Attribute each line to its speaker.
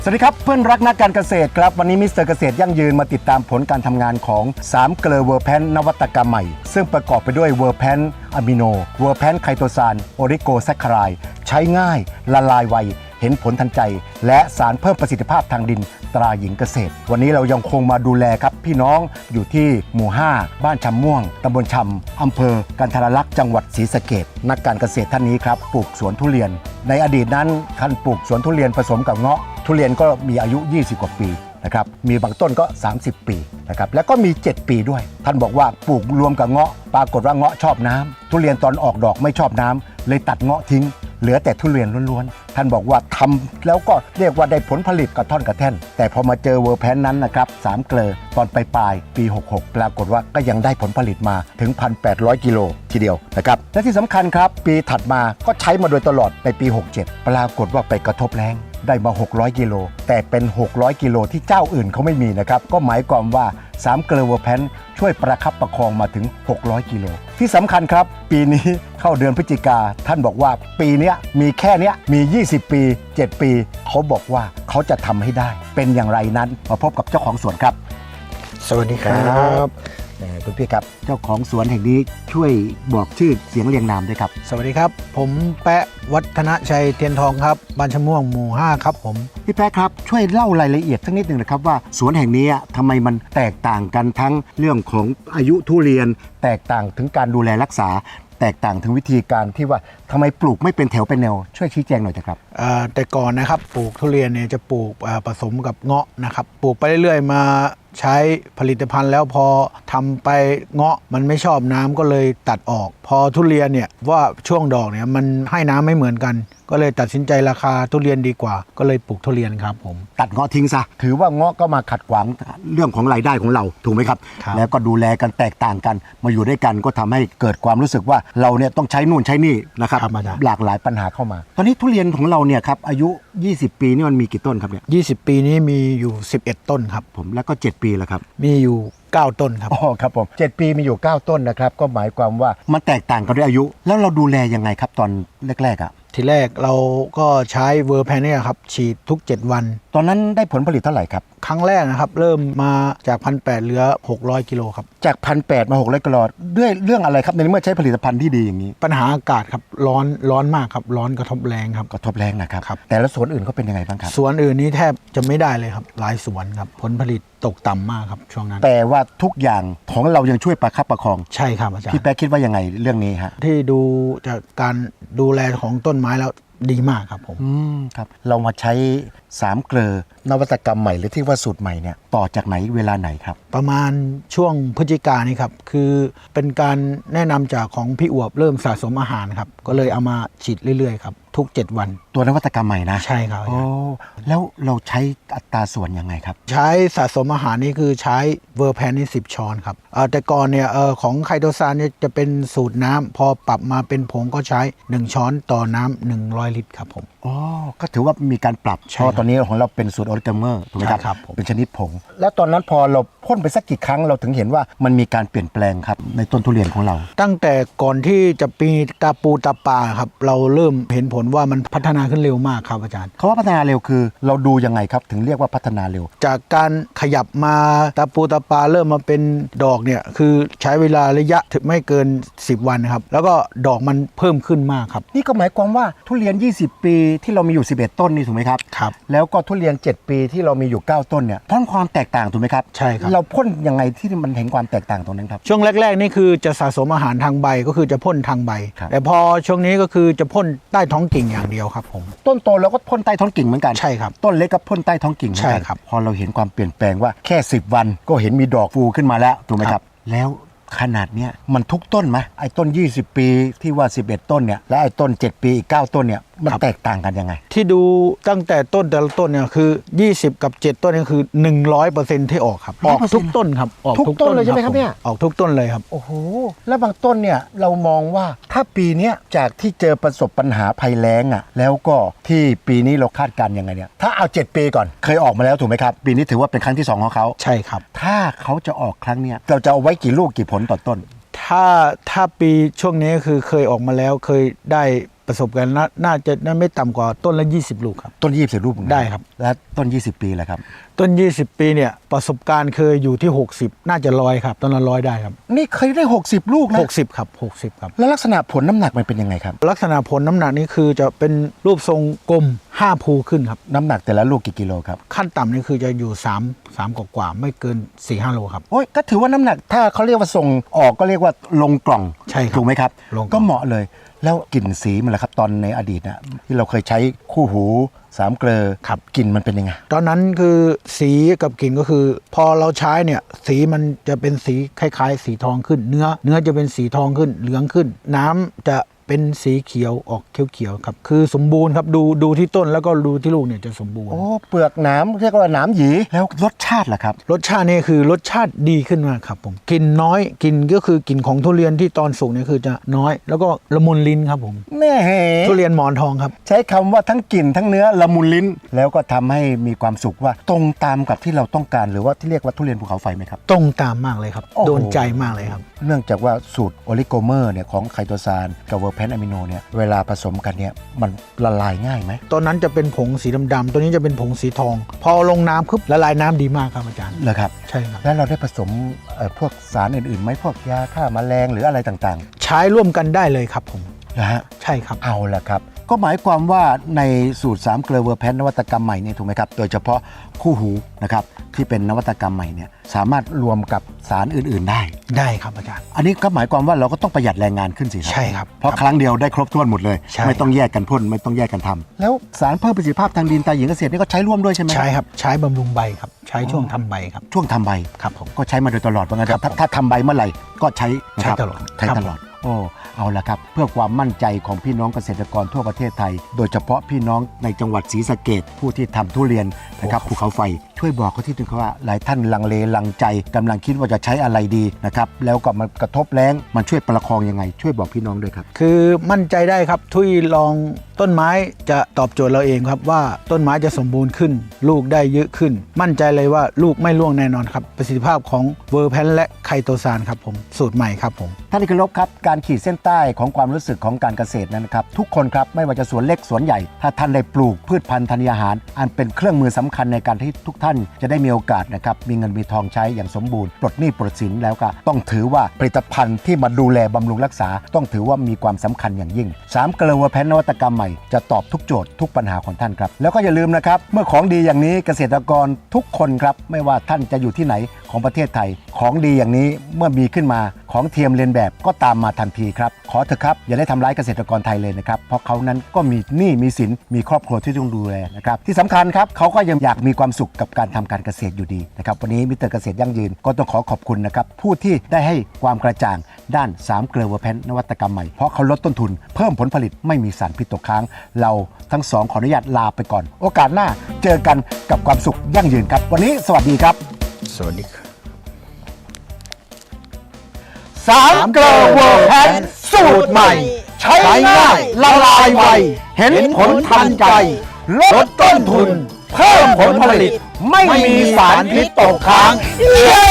Speaker 1: สวัสดีครับเพื่อนรักนักการเกษตรครับวันนี้มิสเตอร์เกษตรยั่งยืนมาติดตามผลการทำงานของ3เกลือเวอร์แพนนวัตกรรมใหม่ซึ่งประกอบไปด้วยเวอร์แพนอะมิโนเวอร์แพนไคโตซานโอริโกแซคคารายใช้ง่ายละลายไวเห็นผลทันใจและสารเพิ่มประสิทธิภาพทางดินตราหญิงเกษตรวันนี้เรายังคงมาดูแลครับพี่น้องอยู่ที่หมู่5บ้านชำม่วงตำบลชำอำเภอกันทรลักษณ์จังหวัดศรีสะเกษนักการเกษตรท่านนี้ครับปลูกสวนทุเรียนในอดีตนั้นท่านปลูกสวนทุเรียนผสมกับเงาะทุเรียนก็มีอายุ20กว่าปีนะครับมีบางต้นก็30ปีนะครับแล้วก็มี7ปีด้วยท่านบอกว่าปลูกรวมกับเงาะปรากฏว่าเงาะชอบน้ำทุเรียนตอนออกดอกไม่ชอบน้ำเลยตัดเงาะทิ้งเหลือแต่ทุเรียนล้วนๆท่านบอกว่าทำแล้วก็เรียกว่าได้ผลผลิตกระท่อนกระแท่นแต่พอมาเจอเวอร์แพนนั้นนะครับ3เกลอตอนปลายปี66ปรากฏว่าก็ยังได้ผลผลิตมาถึง 1,800 กิโลทีเดียวนะครับและที่สำคัญครับปีถัดมาก็ใช้มาโดยตลอดในปี67ปรากฏว่าไปกระทบแล้งได้มา600กิโลแต่เป็น600กิโลที่เจ้าอื่นเขาไม่มีนะครับก็หมายความว่า3เกลอเวอร์แพนช่วยประคับประคองมาถึง600กิโลที่สำคัญครับปีนี้เข้าเดือนพฤศจิกาท่านบอกว่าปีนี้มีแค่นี้มี20ปี7ปีเขาบอกว่าเขาจะทำให้ได้เป็นอย่างไรนั้นมาพบกับเจ้าของสวนครับ
Speaker 2: สวัสดีครับ
Speaker 1: คุณพี่ครับเจ้าของสวนแห่งนี้ช่วยบอกชื่อเสียงเรียงนามด้วยครับ
Speaker 2: สวัสดีครับผมแปะวัฒนชัยเทียนทองครับบ้านชะม่วงหมู่5ครับผม
Speaker 1: พี่แป๊ะครับช่วยเล่ารายละเอียดสักนิดหนึ่งนะครับว่าสวนแห่งนี้ทำไมมันแตกต่างกันทั้งเรื่องของอายุทุเรียนแตกต่างถึงการดูแลรักษาแตกต่างถึงวิธีการที่ว่าทำไมปลูกไม่เป็นแถวเป็นแนวช่วยชี้แจงหน่อยครับ
Speaker 2: แต่ก่อนนะครับปลูกทุเรียนเนี่ยจะปลูกผสมกับเงาะนะครับปลูกไปเรื่อยๆมาใช้ผลิตภัณฑ์แล้วพอทำไปเงาะมันไม่ชอบน้ำก็เลยตัดออกพอทุเรียนเนี่ยว่าช่วงดอกเนี่ยมันให้น้ำไม่เหมือนกันก็เลยตัดสินใจราคาทุเรียนดีกว่าก็เลยปลูกทุเรียนครับผม
Speaker 1: ตัดเงาะทิ้งซะถือว่าเงาะก็มาขัดขวางเรื่องของรายได้ของเราถูกไหมครับแล้วก็ดูแลกันแตกต่างกันมาอยู่ด้วยกันก็ทำให้เกิดความรู้สึกว่าเราเนี่ยต้องใช้นู่นใช้นี่นะครับหลากหลายปัญหาเข้ามาตอนนี้ทุเรียนของเราเนี่ยครับอายุ20ปีนี่มันมีกี่ต้นครับเนี่ย
Speaker 2: 20ปีนี้มีอยู่11ต้นครับ
Speaker 1: ผมแล้วก็7ปีแล้วครับ
Speaker 2: มีอยู่9ต้นครับ
Speaker 1: อ๋อครับผม7ปีมีอยู่9ต้นนะครับก็หมายความว่ามันแตกต่างกันด้วยอายุแล้วเราดูแลยังไงครับตอนแรกๆ
Speaker 2: ทีแรกเราก็ใช้เวอร์แพนเนี่ยครับฉีดทุก7วัน
Speaker 1: ตอนนั้นได้ผลผลิตเท่าไหร่ครับ
Speaker 2: ครั้งแรกนะครับเริ่มมาจาก 1,800 เหลือ600กิโลครับ
Speaker 1: จาก 1,800 มา600กิโลด้วยเรื่องอะไรครับในเมื่อใช้ผลิตภัณฑ์ที่ดีอย่างนี้
Speaker 2: ปัญหาอากาศครับร้อนมากครับร้อนกระทบแรงครับ
Speaker 1: กระทบแรงนะครับแต่ละสวนอื่นเขาเป็นยังไงบ้างครับ
Speaker 2: สวนอื่นนี้แทบจะไม่ได้เลยครับหลายสวนครับผลผลิตตกต่ำมากครับช่วงนั้น
Speaker 1: แต่ว่าทุกอย่างของเรายังช่วยประคับประคอง
Speaker 2: ใช่ครับอาจารย์
Speaker 1: พี่แป๊ะคิดว่ายังไงเรื่องนี้ฮะ
Speaker 2: ที่ดูจากการดูแลของต้นไม้แล้วดีมากครับผม
Speaker 1: ครับเรามาใช้3เกลอนวัตกรรมใหม่หรือที่ว่าสูตรใหม่เนี่ยต่อจากไหนเวลาไหนครับ
Speaker 2: ประมาณช่วงพฤศจิกายนนี่ครับคือเป็นการแนะนำจากของพี่อวบเริ่มสะสมอาหารครับก็เลยเอามาฉีดเรื่อยๆครับทุก7วัน
Speaker 1: ตัวนวัตกรรมใหม่นะ
Speaker 2: ใช่ครับ
Speaker 1: โอ้แล้วเราใช้อัตราส่วนยังไงครับ
Speaker 2: ใช้สะสมอาหารนี่คือใช้เวอร์แพนนี่10ช้อนครับแต่ก่อนเนี่ยของไคโตซานเนี่ยจะเป็นสูตรน้ำพอปรับมาเป็นผงก็ใช้1ช้อนต่อน้ำ100ลิตรครับผม
Speaker 1: อ๋อก็ถือว่ามีการปรับเพราะตอนนี้ของเราเป็นสูตรออริกาเมอร์ถูกไหมครับเป็นชนิดผงแล้วตอนนั้นพอเราพ่นไปสักกี่ครั้งเราถึงเห็นว่ามันมีการเปลี่ยนแปลงครับในต้นทุเรียนของเรา
Speaker 2: ตั้งแต่ก่อนที่จะปีตาปูตาปาครับเราเริ่มเห็นผลว่ามันพัฒนาขึ้นเร็วมากครับอาจารย์
Speaker 1: เขาว่าพัฒนาเร็วคือเราดูยังไงครับถึงเรียกว่าพัฒนาเร็ว
Speaker 2: จากการขยับมาตาปูตาปาเริ่มมาเป็นดอกเนี่ยคือใช้เวลาระยะถึงไม่เกิน10วันครับแล้วก็ดอกมันเพิ่มขึ้นมากครับ
Speaker 1: นี่ก็หมายความว่าทุเรียน20ปีที่เรามีอยู่11ต้นนี่ถูกไหมครับ
Speaker 2: ครับ
Speaker 1: แล้วก็ทุเรียน7ปีที่เรามีอยู่9ต้นเนี่ยพ่นความแตกต่างถูกไหมครับ
Speaker 2: ใช่ครับ
Speaker 1: เราพ่นยังไงที่มันเห็นความแตกต่างตรงนั้นครับ
Speaker 2: ช่วงแรกๆนี่คือจะสะสมอาหารทางใบก็คือจะพ่นทางใบแต่พอช่วงนี้ก็คือจะพ่นใต้ท้องกิ่งอย่างเดียวครับผม
Speaker 1: ต้นโตเราก็พ่นใต้ท้องกิ่งเหมือนกัน
Speaker 2: ใช่ครับ
Speaker 1: ต้นเล็กก็พ่นใต้ท้องกิ่งเหมือนกันพอเราเห็นความเปลี่ยนแปลงว่าแค่10วันก็เห็นมีดอกฟูขึ้นมาแล้วถูกไหมครับแล้วขนาดเนี้ยมันทุกต้นไหมไอ้ต้น20ปีที่ว่า11ต้นเนี่ยและไอ้ต้น7ปีอีก9ต้นเนี่ยมันแตกต่างกันยังไง
Speaker 2: ที่ดูตั้งแต่ต้นแต่ละต้นเนี่ยคือ20กับ7ต้นนี่คือ 100% ที่ออกครับออกทุกต้นครับ
Speaker 1: ออกทุกต้นเลยใช่ไหมครับเนี่ย
Speaker 2: ออกทุกต้นเลยครับ
Speaker 1: โอ้โหแล้วบางต้นเนี่ยเรามองว่าถ้าปีนี้จากที่เจอประสบปัญหาภัยแล้งอ่ะแล้วก็ที่ปีนี้เราคาดการณ์ยังไงเนี่ยถ้าเอา7ปีก่อนเคยออกมาแล้วถูกไหมครับปีนี้ถือว่าเป็นครั้งที่2ของเขา
Speaker 2: ใช่ครับ
Speaker 1: ถ้าเขาจะออกครั้งเนี้ยเราจะเอาไว้กี่ลูกกี่ผลต่อต้น
Speaker 2: ถ้าปีช่วงนี้คือเคยออกมาแล้วเคยได้เปประสบการณ์น่าจะไม่ต่ำกว่าต้นละ20 ลูกครับ
Speaker 1: ต้น20 ลูกเหมือนกัน
Speaker 2: ได้ครับ
Speaker 1: และต้น 20 ปีแหละครับ
Speaker 2: ต้น 20 ปีเนี่ยประสบการณ์เคยอยู่ที่ 60 น่าจะ100ครับต้นละ100ได้ครับ
Speaker 1: นี่เคยได้ 60 ลูกนะ
Speaker 2: 60ครับ60ครับ
Speaker 1: แล้วลักษณะผลน้ำหนักมันเป็นยังไงครับ
Speaker 2: ลักษณะผลน้ำหนักนี่คือจะเป็นรูปทรงกลม5 ภูขึ้นครับ
Speaker 1: น้ำหนักแต่ละลูกกี่กิโลครับ
Speaker 2: ขั้นต่ำนี่คือจะอยู่3กว่าๆไม่เกิน 4-5 โลครับ
Speaker 1: โอ้ยก็ถือว่าน้ำหนักถ้าเขาเรียกว่าส่งออกก็เรียกว่าลงกล่อง
Speaker 2: ใช่ครับ
Speaker 1: ถูกไหมครับ
Speaker 2: ลงกล่อง
Speaker 1: ก็เหมาะเลย แล้วกลิ่นสีมันล่ะครับตอนในอดีตนะที่เราเคยใช้คู่หู3 เกลอ
Speaker 2: ครับ
Speaker 1: กลิ่นมันเป็นยังไง
Speaker 2: ตอนนั้นคือสีกับกลิ่นก็คือ พอเราใช้เนี่ยสีมันจะเป็นสีคล้ายๆ สีทองขึ้น เนื้อจะเป็นสีทองขึ้นเหลืองขึ้น น้ำจะเป็นสีเขียวออกเขียวๆครับคือสมบูรณ์ครับดูที่ต้นแล้วก็ดูที่ลูกเนี่ยจะสมบูรณ์
Speaker 1: โอ้เปลือกหนามเรียกว่าหนามหยีแล้วรสชาติล่ะครับ
Speaker 2: รสชาตินี่คือรสชาติดีขึ้นมากครับผมกลิ่นน้อยกลิ่นก็คือกลิ่นของทุเรียนที่ตอนสุกเนี่ยคือจะน้อย แล้วก็ละมุนลิ้นครับผม
Speaker 1: แม่
Speaker 2: ทุเรียนหมอนทองครับ
Speaker 1: ใช้คำว่าทั้งกลิ่นทั้งเนื้อละมุนลิ้น แล้วก็ทำให้มีความสุขว่าตรงตามกับที่เราต้องการหรือว่าที่เรียกว่าทุเรียนภูเขาไฟไหมครับ
Speaker 2: ตรงตามมากเลยครับ
Speaker 1: โอ้โห
Speaker 2: โดนใจมากเลยครับ
Speaker 1: เนื่องจากว่าสูตรโอลิโกเมอร์เนี่ยของไคโตซานกับเวอร์แพนอะมิโนเนี่ยเวลาผสมกันเนี่ยมันละลายง่ายไหม
Speaker 2: ตอนนั้นจะเป็นผงสีดำๆตัวนี้จะเป็นผงสีทอง พอลงน้ำปุ๊บละลายน้ำดีมากครับอาจารย์
Speaker 1: เหรอครับ
Speaker 2: ใช่ครับ
Speaker 1: แล้วเราได้ผสมพวกสารอื่นๆไหมพวกยาฆ่าแมลงหรืออะไรต่าง
Speaker 2: ใช้ร่วมกันได้เลยครับผม
Speaker 1: ๆนะฮะ
Speaker 2: ใช่ครับ
Speaker 1: เอาละครับ ก็หมายความว่าในสูตร3 เกลอเวอร์แพนนวัตกรรมใหม่เนี่ยถูกไหมครับโดยเฉพาะคู่หูนะครับที่เป็นนวัตกรรมใหม่เนี่ยสามารถรวมกับสารอื่นๆได้
Speaker 2: ได้ครับอาจารย์
Speaker 1: อันนี้ก็หมายความว่าเราก็ต้องประหยัดแรงงานขึ้นสิครั
Speaker 2: ใช่ครับ
Speaker 1: เพราะครั้งเดียวได้ครบถ้วนหมดเลย
Speaker 2: ใช่
Speaker 1: ไม่ต้องแยกกันพ่นไม่ต้องแยกกันทำแล้วสารเพิ่มประสิทธิภาพทางดินตาหญิงเกษตรนี่ก็ใช้ร่วมด้วยใช่ไหม
Speaker 2: ใช่ครับใช้บำรุงใบครับใช้ช่วงทำใบครับ
Speaker 1: ช่วงทำใบ
Speaker 2: ครับผม
Speaker 1: ก็ใช้มาโดยตลอดว่างั้น
Speaker 2: ครับ
Speaker 1: ถ้าทำใบเมื่อไหร่ก็ใช้นะครับ
Speaker 2: ใช้ตลอด
Speaker 1: ใช้
Speaker 2: ครับ
Speaker 1: ตลอดโอ้เอาละครับเพื่อความมั่นใจของพี่น้องเกษตรกรทั่วประเทศไทย โดยเฉพาะพี่น้องในจังหวัดศรีสะเกษผู้ที่ทำทุเรียนนะครับภูเขาไฟช่วยบอกเขาที่นึงครับว่าหลายท่านลังเลลังใจกำลังคิดว่าจะใช้อะไรดีนะครับแล้วก็มันกระทบแรงมันช่วยประคองยังไงช่วยบอกพี่น้องด้วยครับ
Speaker 2: คือมั่นใจได้ครับทุยลองต้นไม้จะตอบโจทย์เราเองครับว่าต้นไม้จะสมบูรณ์ขึ้น ลูกได้เยอะขึ้น มั่นใจเลยว่าลูกไม่ร่วงแน่นอนครับประสิทธิภาพของเวอร์แพนและไคโตซานครับผมสูตรใหม่ครับผม
Speaker 1: ท่านที่เคารพครับการขีดเส้นใต้ของความรู้สึกของการเกษตรนั้นนะครับทุกคนครับไม่ว่าจะสวนเล็กสวนใหญ่ถ้าท่านได้ปลูกพืชพันธุ์ธัญญาหารอันเป็นเครื่องมือสำคัญในการที่ทุกท่านจะได้มีโอกาสนะครับมีเงินมีทองใช้อย่างสมบูรณ์ปลดหนี้ปลดสินแล้วก็ต้องถือว่าผลิตภัณฑ์ที่มาดูแลบำรุงรักษา ต้องถือว่ามีความสำคัญอย่างยิ่ง3 เกลอเวอร์แพนนวัตกรรมใหม่จะตอบทุกโจทย์ทุกปัญหาของท่านครับแล้วก็อย่าลืมนะครับเมื่อของดีอย่างนี้เกษตรกรทุกคนครับไม่ว่าท่านจะอยู่ที่ไหนของประเทศไทยของดีอย่างนี้เมื่อมีขึ้นมาของเทียมเลียนแบบก็ตามมาทันทีครับขอเถอะครับอย่าได้ทำร้ายเกษตรกรไทยเลยนะครับเพราะเขานั้นก็มีหนี้มีสินมีครอบครัวที่ต้องดูแลนะครับที่สำคัญครับเขาก็ยังอยากมีความสุขกับการทำการเกษตรอยู่ดีนะครับวันนี้มิสเตอร์เกษตรยั่งยืนก็ต้องขอขอบคุณนะครับผู้ที่ได้ให้ความกระจ่างด้าน3 เกลอเวอร์แพนนวัตกรรมใหม่เพราะเขาลดต้นทุนเพิ่มผลผลิตไม่มีสารพิษตกค้างเราทั้งสองขออนุญาตลาไปก่อนโอกาสหน้าเจอกันกับความสุขยั่งยืนครับวันนี้สวัสดีครับ
Speaker 2: สวัสดีครับ
Speaker 1: 3 เกลอเวอร์แพนสูตรใหม่ ใช้ง่ายละลายไวเห็นผลทันใจลดต้นทุนเพิ่มผลผลิตไม่มีสารพิษตกค้างเย้